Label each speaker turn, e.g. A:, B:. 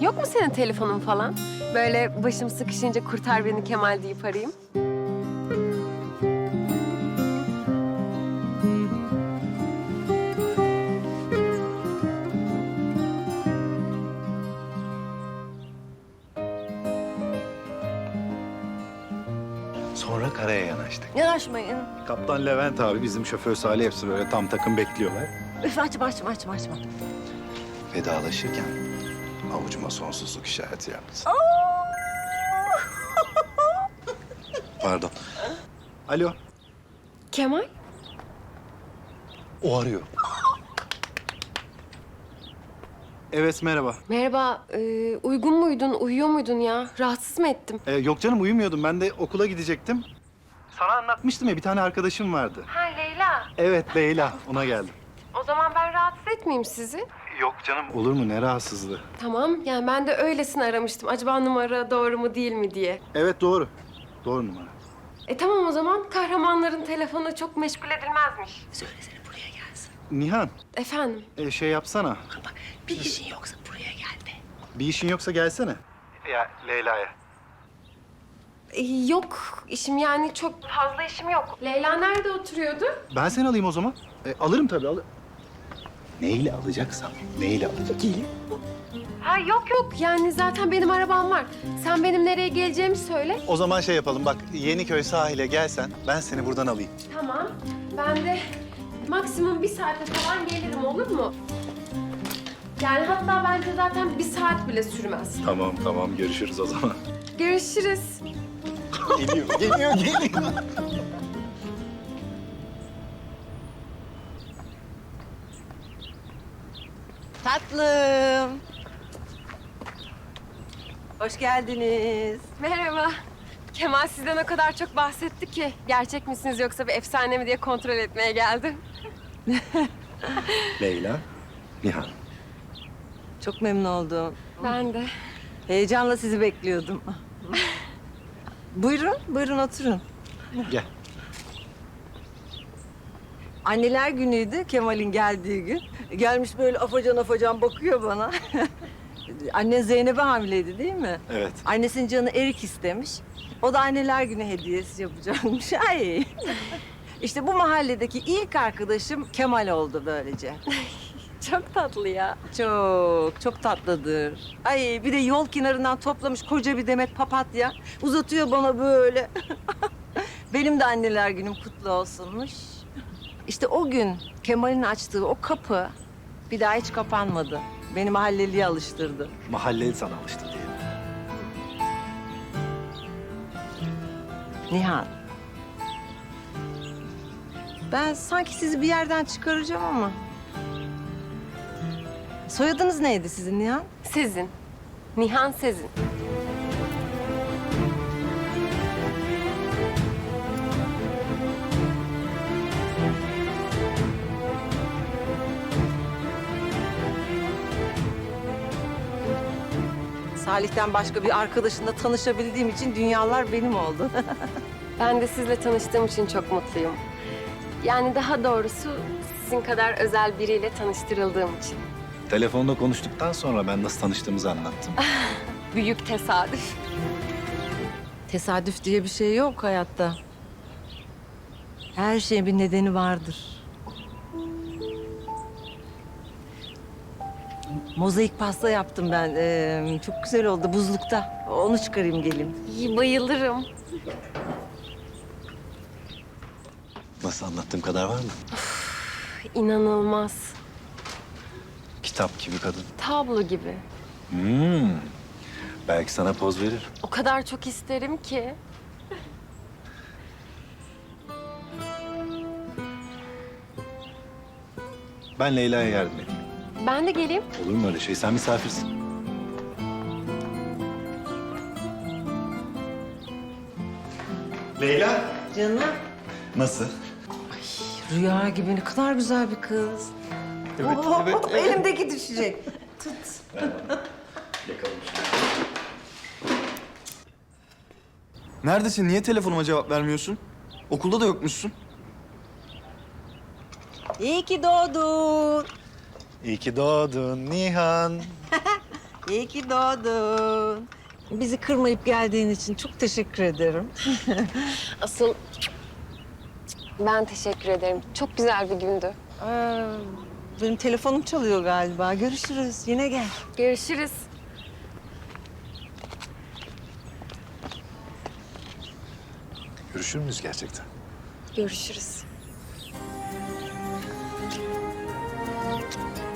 A: Yok mu senin telefonun falan? Böyle başım sıkışınca kurtar beni Kemal deyip arayayım.
B: Sonra karaya yanaştık.
C: Yanaşmayın.
B: Kaptan Levent abi, bizim şoför Salih hepsi böyle tam takım bekliyorlar.
C: Üf, açma.
B: Vedalaşırken avucuma sonsuzluk işareti yaptı. Pardon. Alo.
A: Kemal?
B: O arıyor. Evet, merhaba.
A: Merhaba, uygun muydun, uyuyor muydun ya? Rahatsız mı ettim?
B: Yok canım, uyumuyordum. Ben de okula gidecektim. Sana anlatmıştım ya, bir tane arkadaşım vardı.
A: Ha Leyla.
B: Evet, Leyla. Ona geldim.
A: O zaman ben rahatsız etmeyeyim sizi.
B: Yok canım. Olur mu? Ne rahatsızlığı?
A: Tamam, yani ben de öylesine aramıştım. Acaba numara doğru mu değil mi diye.
B: Evet, doğru. Doğru numara.
A: Tamam o zaman. Kahramanların telefonu çok meşgul edilmezmiş.
C: Söylesene buraya gelsin.
B: Nihan,
A: Efendim?
B: şey yapsana.
C: Bak bir işin yoksa buraya gel be.
B: Bir işin yoksa gelsene. Ya Leyla'ya.
A: Yok, işim yani çok fazla işim yok. Leyla nerede oturuyordu?
B: Ben seni alayım o zaman. Alırım tabii, Neyle alacaksam, neyle alacağım?
C: Gelin.
A: Ha yok yani zaten benim arabam var. Sen benim nereye geleceğimi söyle.
B: O zaman şey yapalım, bak Yeniköy sahile gelsen ben seni buradan alayım.
A: Tamam. Ben de maksimum 1 saate falan gelirim, olur mu? Yani hatta bence zaten 1 saat bile sürmez.
B: Tamam, görüşürüz o zaman.
A: Görüşürüz.
B: Geliyor.
C: Tatlım. Hoş geldiniz.
A: Merhaba. Kemal sizden o kadar çok bahsetti ki gerçek misiniz yoksa bir efsane mi diye kontrol etmeye geldim.
B: Leyla, Nihan.
C: Çok memnun oldum.
A: Ben de.
C: Heyecanla sizi bekliyordum. Buyurun oturun.
B: Gel.
C: Anneler günüydü Kemal'in geldiği gün. Gelmiş böyle afacan bakıyor bana. Annen Zeynep'e hamileydi değil mi?
B: Evet.
C: Annesinin canı erik istemiş. O da anneler günü hediyesi yapacakmış. Ay. İşte bu mahalledeki ilk arkadaşım Kemal oldu böylece.
A: Çok tatlı ya.
C: Çok tatlıdır. Ay bir de yol kenarından toplamış koca bir demet papatya. Uzatıyor bana böyle. Benim de anneler günüm kutlu olsunmuş. İşte o gün Kemal'in açtığı o kapı bir daha hiç kapanmadı. Beni mahalleliye alıştırdı.
B: Mahalleli sana alıştı diyelim.
C: Nihan. Ben sanki sizi bir yerden çıkaracağım ama. Soyadınız neydi sizin Nihan?
A: Sezin. Nihan Sezin.
C: Salih'ten başka bir arkadaşınla tanışabildiğim için dünyalar benim oldu.
A: Ben de sizle tanıştığım için çok mutluyum. Yani daha doğrusu sizin kadar özel biriyle tanıştırıldığım için.
B: Telefonda konuştuktan sonra ben nasıl tanıştığımızı anlattım.
A: Büyük tesadüf.
C: Tesadüf diye bir şey yok hayatta. Her şeyin bir nedeni vardır. Mozaik pasta yaptım ben. Çok güzel oldu buzlukta. Onu çıkarayım geleyim.
A: İyi, bayılırım.
B: Nasıl, anlattığım kadar var mı?
A: İnanılmaz.
B: Kitap gibi kadın.
A: Tablo gibi.
B: Belki sana poz verir.
A: O kadar çok isterim ki.
B: Ben Leyla'ya yardım edeyim.
A: Ben de geleyim.
B: Olur mu öyle şey? Sen misafirsin. Leyla.
C: Canım.
B: Nasıl?
C: Rüya gibi ne kadar güzel bir kız.
B: Evet,
C: Elimdeki düşecek. Tut.
B: Yakalım
D: Neredesin? Niye telefonuma cevap vermiyorsun? Okulda da yokmuşsun.
C: İyi ki doğdun.
B: İyi ki doğdun Nihan.
C: İyi ki doğdun. Bizi kırmayıp geldiğin için çok teşekkür ederim.
A: Asıl ben teşekkür ederim. Çok güzel bir gündü.
C: Benim telefonum çalıyor galiba. Görüşürüz. Yine gel.
A: Görüşürüz.
B: Görüşür müyüz gerçekten?
A: Görüşürüz.